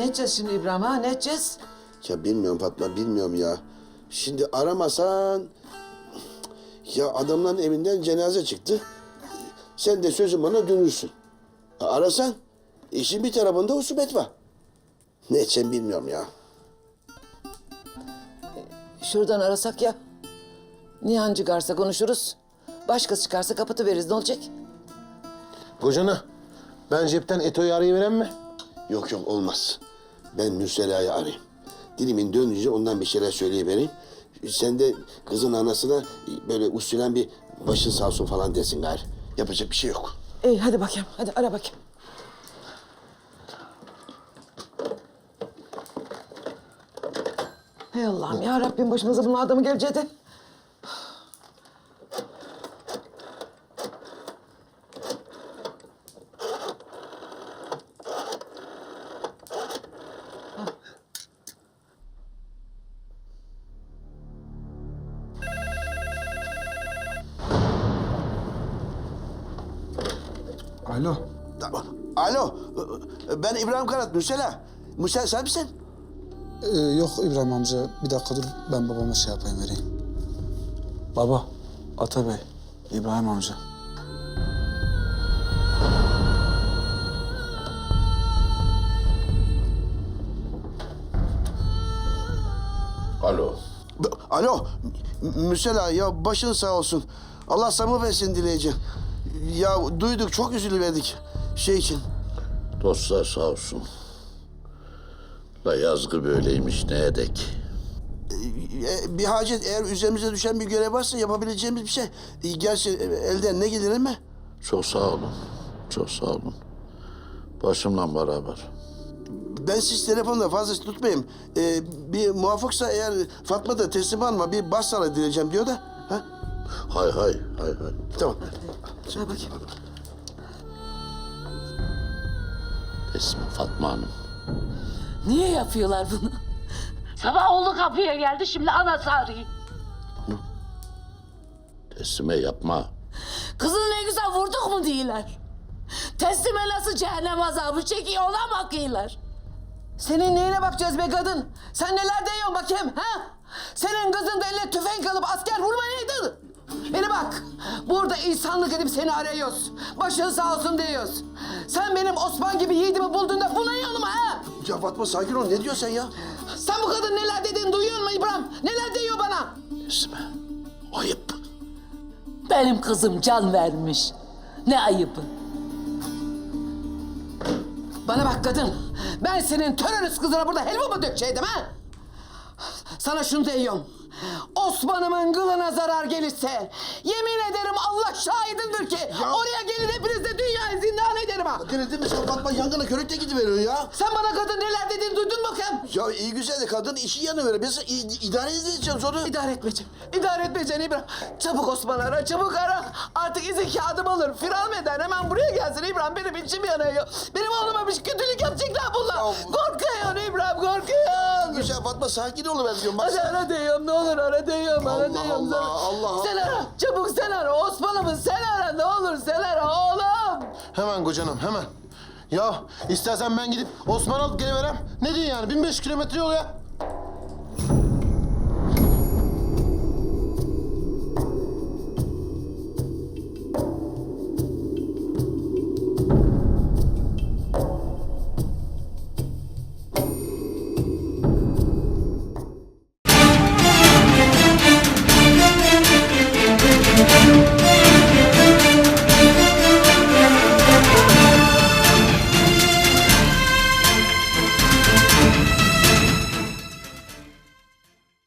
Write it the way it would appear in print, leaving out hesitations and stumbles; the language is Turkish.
edeceğiz şimdi İbrahim ha? Ne edeceğiz? Ya bilmiyorum Fatma, bilmiyorum ya. Şimdi aramasan... Ya adamların evinden cenaze çıktı. Sen de sözün bana dönürsün. Arasan, işin bir tarafında husubet var. Ne edeceğim bilmiyorum ya. Şuradan arasak ya. Nihan çıkarsa konuşuruz. Başkası çıkarsa kapatıveririz. Ne olacak? Kocana, ben cepten Eto'yu arayıverem mi? Yok yok, olmaz. Ben Mürsela'yı arayayım. Dilimin dönünce ondan bir şeyler söyleyivereyim. Sen de kızın anasına böyle usulen bir başın sağ olsun falan desin gayrı. Yapacak bir şey yok. İyi hadi bakayım. Hadi ara bakayım. Hey Allah'ım ya Rabbim, başımıza bunun adamı geleceği. Alo. Alo, ben İbrahim Karat, Mürsela. Mürsela sen misin? Yok İbrahim amca. Bir dakika dur. Ben babama şey yapayım, vereyim. Baba. Atabey. İbrahim amca. Alo. Alo, Mürsela ya başın sağ olsun. Allah sabır versin dileyeceğim. Ya duyduk, çok üzülüverdik şey için. Dostlar sağ olsun. La yazgı böyleymiş ne edek. Bir hacet, eğer üzerimize düşen bir görev varsa yapabileceğimiz bir şey. Gerçi elden ne gelir mi? Çok sağ olun. Çok sağ olun. Başımla beraber. Ben siz telefonda fazla tutmayayım. Bir muvaffaksa eğer Fatma da teslim alma, bir başsağlığı dileyeceğim diyor da. Ha? Hay hay hay hay. Tamam. Şuna bakayım. Teslim Fatma Hanım. Niye yapıyorlar bunu? Sabah oğlu kapıya geldi, şimdi anası arıyor. Teslime yapma. Kızını ne güzel vurduk mu diyorlar. Teslime nasıl cehennem azabı çekiyor, ona bakıyorlar. Senin neyine bakacağız be kadın? Sen neler diyorsun bakayım ha? Senin kızın da eline tüfek alıp asker vurmayaydı. Beni bak, burada insanlık edip seni arıyoruz. Başın sağ olsun diyoruz. Sen benim Osman gibi yiğidimi bulduğunda buna yanıma ha? Ya Fatma sakin ol, ne diyorsun sen ya? Sen bu kadın neler dediğini duyuyor musun İbrahim? Neler diyor bana? Teslime. Ayıp. Benim kızım can vermiş. Ne ayıbı. Bana bak kadın, ben senin terörist kızına burada helva mı dökeceydim ha? Sana şunu diyorum. Osman'ımın kılına zarar gelirse yemin ederim Allah şahidimdir ki oraya gelin hepiniz de dünyayı zindan ederim ha. Denedin mi sen Fatma, yangına körükle gidiveriyor ya. Sen bana kadın neler dediğini duydun mu bakayım? Ya iyi güzel de kadın işi yanıveriyor. Biz idare edeceğiz onu. İdare etmeyeceğim. İdare etmeyeceğim İbrahim. Çabuk Osman ara, çabuk ara. Artık izin kağıdım alır. Firar eden hemen buraya gelsin İbrahim. Benim içim yanıyor. Benim oğluma bir kötülük yapacaklar bunlar. Korkuyorsun İbrahim, korkuyorsun. Güzel Fatma, sakin ol ben diyorum. Bak Hadi ara diyorum, ne olur ara diyorum, ara diyorum. Allah, Allah. Sen ara, çabuk sen ara. Osman'ımı sen ara, ne olur sen ara oğlum. Hemen kocanım, hemen. Ya istersen ben gidip Osman alıp geliverem. Ne diyorsun yani? 1500 kilometre yol ya.